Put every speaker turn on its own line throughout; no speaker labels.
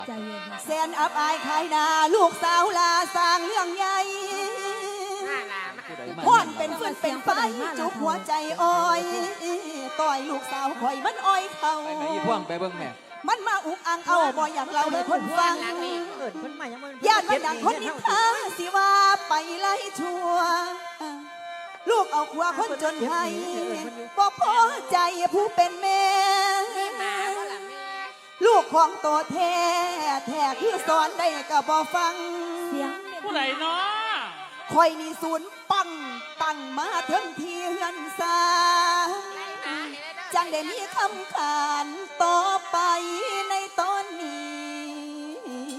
ใจเย็น
แสนอับอายขายนาลูกสาวลาสร้างเรื่องใหญ่พ่อนเป็นฟืนเป็นไฟจุกหัวใจอ้อยต่อยลูกสาวข่อยมันอ้อยเขา
ไปไหนอีพ่วงไปเบิ่งแม่
มันมาอุกอังเอาบ่อยากเราเลยคนฟังญาติมันดังคนนิทาสิว่าไปไล่ชั่วลูกเอาขวาคนจนให้บ่พอใจผู้เป็นแม่ลูกของโตแท้แท้คือสอนได้ก็บ่ฟัง
เสียง
ผู้ใดเนาะ
คอยนี่ศูนย์ปังตั้งมาถึงที่เฮือนซาจังได้มีคำขานต่อไปในตอนนี้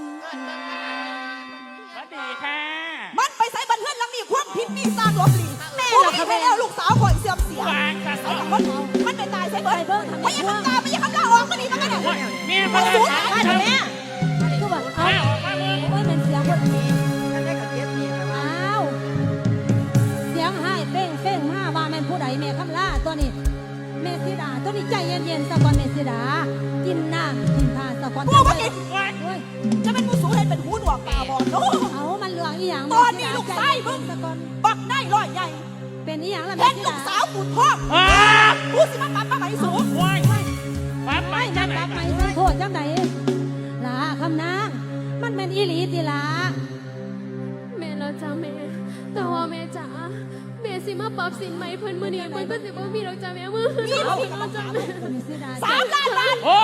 สวัสดีค่ะ
มันไปใส่บันเทิงหลังนี้ความผิดมีสร้างหลบหลีแม่เราไม่แล้วลูกสาวข่อยเสื่อมเสียมันไปตายใส่เบิร์ดไม่ยังคำตาไม่ยังคำลาออกก็ดีมันก็ได้
แม่
มาสูญหายไปแม่
ก็แบบเอาไม่เป็นเสียงคนอ้าวเสียงหายเป้งเป้งมาว่าแม่ผู้ใดแม่คำล่าตัวนี้เมสิดาตัวนี้ใจเย็นๆสะกอนเมสิดากินน้ำกินทานสะกอน
พวกมันกินจะเป็นผู้สูงให้เป็นหูหนวกตาบอดโน้
เอามันเหลืองอีหยัง
ตอนนี้ลูกไส้มึงบักได้ร้อยใหญ่
เป็นอีหยังล่ะ
แม่ลูกสาวกูท้องกูสิมันปั๊บมาไหมสูง
ปั๊บ
ไม่นับปั๊บไม่โทษจังไหนลาคำนางมันเป็นอีหลีติลา
แม่เราจ้าแม่แต่ว่าแม่จ๋าแม่สิมาปรับสินใหม่เพิ่นมื้อนี้เพิ่นก็สิบ่มีดอกจ้าแม่มื้อ
มีเรา
จ้าแม่
3 ล้านบาท
โอ้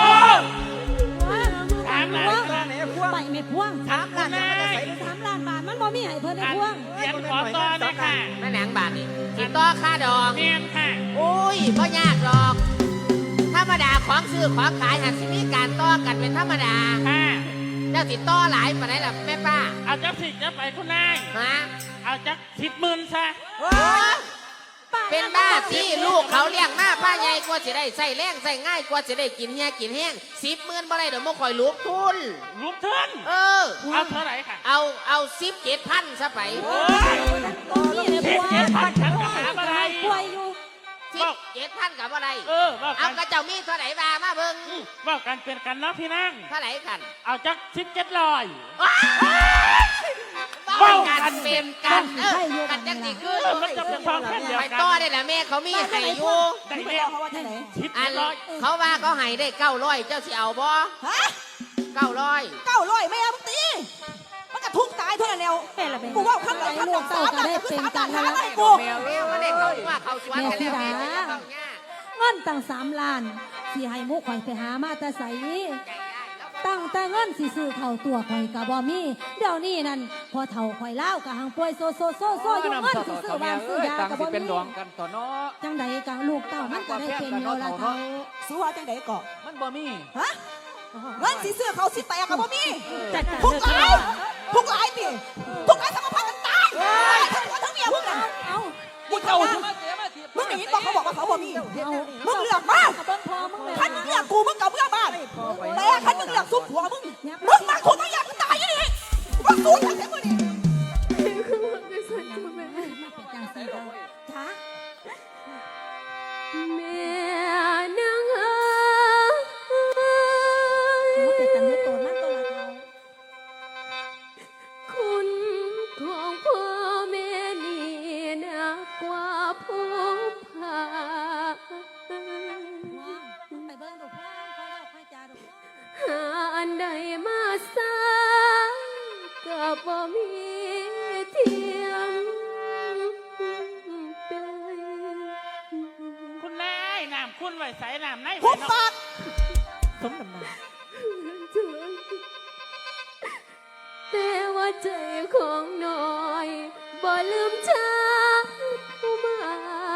3 ล้านบาทไปไม่พ่วง
3 ล้าน
3 ล้านบาทมันบ่มีให้เพิ่นได้พ่วง
เรียนขอต่อเลยค่ะ
แม่แหนงบาทนี่ติดต่อค่าดอก
เรียนค่ะ
โอ้ยบ่ยากดอกธรรมดาของซื้อของขายหากสิมีการต่อกันเป็นธรรมดา
ค่ะ
เจ้าติดต่อหลายปานใดล่ะแม่ป้า
เอาจักสิจะไปคุณนาย
ฮะ
เอาจัก10,000ซะ
เป็นบ้าที่ลูกเขาเลี้ยงมาป้าใหญ่กว่าสิได้ใส่แรงใส่ง่ายกว่าสิได้กินเฮียกินแห้ง10,000บ่ได้เดี๋ยวบ่ค่อยลุกทุน
ลุกทุนเอาเท่าไหร่ค่ะ
เอา17,000ซะไป
โอ้ย17,000ฉันก็หาบ่ได้
ป่วยอยู่
17,000กับอะไร
เอา
กระเจ้ามีเท่าไหร่มาเบิ่ง
ว่ากันเป็นกันเนาะพี่นั่ง
เท่าไหร่กัน
เอาจัก1700
ว่ากันเป็นกันกันจังสิคือ
มันจะเป็นความแค่เดียว
ไป
กัน
ต่อได้ละแม่เขามีให้อยู่อันเขาว่าเขาให้ได้900เจ้าสิเอาบ่
ฮะ900แม่มึงตีมันก็ทุกตายเท่านั้นแล้วกูว่าข้างหลัง3 ล้านเป็นกันแล้วกู
แมวมันได้เขาว่าเขาสวนกันแล้ว
เงินตั้ง3 ล้านสิให้มุกข่อยไปหามาแต่ใสตั้งแต่เงินสิซื้อเท่าตัวข่อยกับบ่มีเดี๋ยวนี้นั่นพอเท่าข่อยเล่ากับหางป่วยโซอยู่เงินสิซื้อบ้านซื้อยากับบ่มีจังใดกับลูกเต้ามันก็ได้เป็นแล้วล่ะเท่า
สู้ว่าจังใดก่อ
มันบ่มี
ฮะเงินสิซื้อเขาสิแตกกับบ่มีทุกหลายดิทุกหลายสมพันธ์กันตายทั้งหัวทั้งเมียมึงเอามึงหนีบอกเขาบอกว่าเขาบ่มีมึงเลือกมาคันมึงเลือกกูมึงกับเพื่อนบ้านแต่คันมึงเลือกซุปหัวมึงมาถูกมึงอยากตายยังไงมึงสู้อย่างไรมึงนี่
จ้า
แม่นางคุณของพ่อแม่นี่นักกว่าผู้พา
ไปเบิ่งดูพ่อค่อยจ้าดู
หาอันใดมาสร้างก็บ่มีเทียม
คุณนายน้ำคุณไว้ใส่น้ำใน
หุบปาก
สมน้ำหนัก
แต่ว่าใจของน้อยบ่ลืมชาผู้มา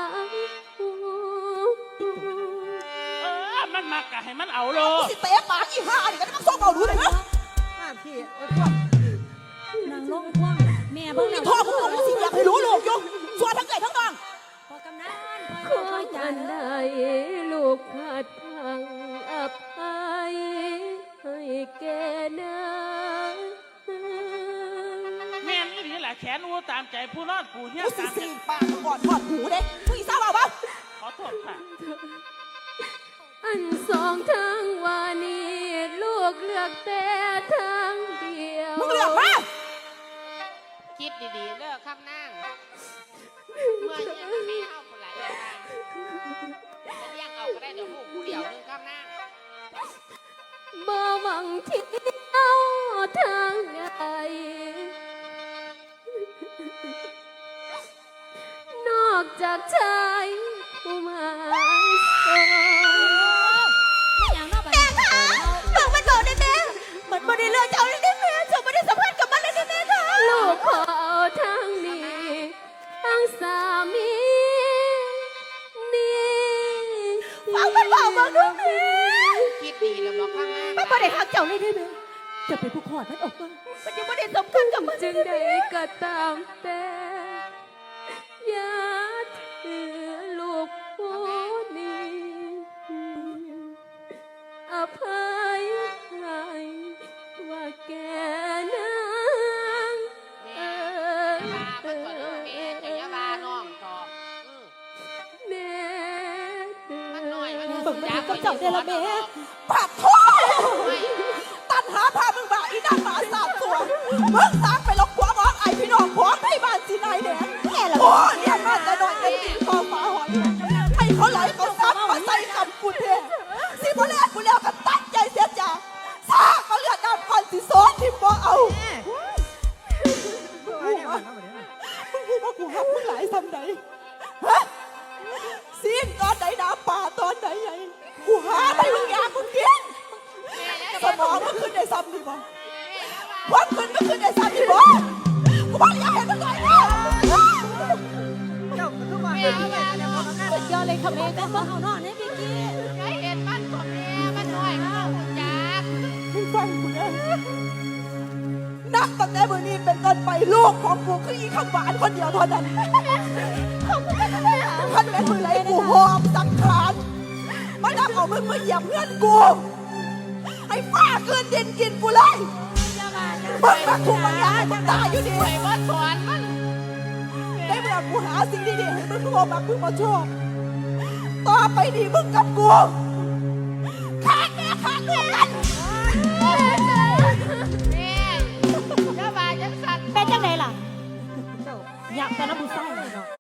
มันมากะให้มันเอาโล
สิเตะปากอีห่านี่ก็ต้องส่งเอาดูเลยนะ
พี่นางลงพ่วงแม่เบิ่ง
พ่อมึงบอกว่าสิอยากให้รู้ลูกอยู่ส่วนทั้งไก่ทั้งนอง
พอกำนัน
ขอจันได้ลูกพลาดพังอภัยให้แก่นา
แม่นี่แหละแขนอูตามใจผู้นอนผู้เฮี้ย
ตามใจปากก่อนถอดหูเด้ผู้อีสาวบ้า
ขอโทษค่ะ
อันสองทางวานีลูกกเลือกแต่ทางเดียว
มึงเลือกมา
คิดดีๆเด้อคำนั่งเมื่อยังไม่เอาคนหลายอย่างจะเลี้ยงเอาก็ได้เดี๋ยวลูกกูเดียวนึงคำนั่ง
บ่หวังที่เอาทางใดนอกจากชายผู้หมายสอน
ไม่อย่างนอกไปแม่ค่ะ
มึงมันบอกได้แม่มันบ่ได้เลือกเจ้าเลยได้แม่เจ้าบ่ได้สัมพันธ์กับมันเลยได้แม่ค่ะ
ลูกขอเอาทางนี้ทางสามีนี่
ฟังมันบอกมึงดูแม่
คิดดีแล้วบอกคำนั่ง
มันบ่ได้หักเจ้าเลยได้แม่จะเป็นผู้ขอดมันออกมามันยังบ่ได้สัมพันธ์กับมัน
จึงได้ก็ตามแต่อย่าถือลูกผู้นี้อภัยให้ว่าแกนาง
แม่ยามันก่อนเด้อแม่จะยาบาน้องต่อ
แม่
มันน้อยมัน
มึงมันกับเจ้าเดละแม่
ไม่
ปากโทตันหาพามึงบ่าอีนางหมาสามตัวมึงสร้างไปลกหัวงอกไอพี่น้องผัวให้บ้านสินายแดงโอ้เนี่ยมาแต่น้อยเป็นตีคอฟ้าหอยให้เขาไหลเขาซับมาใส่คำกูเทสิบ่แลกกูแล้วก็ตั้งใจเสียจ้าซาเขาเลือดดำก่อนสิซ้อนที่บ่เอามึงพูดว่ากูหักมึงหลายซ้ำไหนฮะซีนตอนไหนน้ำป่าตอนไหนไงกูหาไปมึงอยากมึงกินสมองมันขึ้นได้ซ้ำดีบ่ความขึ้นมันขึ้นได้ซ้ำดีบ่กูบอกอยากเห็นมึงเลยนะ
สุดยอดเลยค่ะแม่ก็มาเอานอนให้พี่กี้
ใครเห็นมันก็แม่มันน้อยเข้าจัก
มึงฟังกูนะนับตั้งแต่มื้อนี้เป็นต้นไปลูกของกูคืออีข้าวหวานคนเดียวเท่านั้นท่านแม่มือไรกูหอบสังขารมานับเอามึงมาเหยียบเพื่อนกูให้ฟ้าเกินดินกินกูเลยมึงมาถูกบางอย่างให้มึงตายอยู่ดี
ไปว่าสอนมัน
ได้เวลากูหาสิ่งดีๆให้มึงโทรมามึงมาชอบต่อไปดีมึงกับกูขาดแม่ขาดลูกกัน
แม่ยาบาจังสัน
เป็นจังไดล่ะอยากตอนน้ำบุษไส้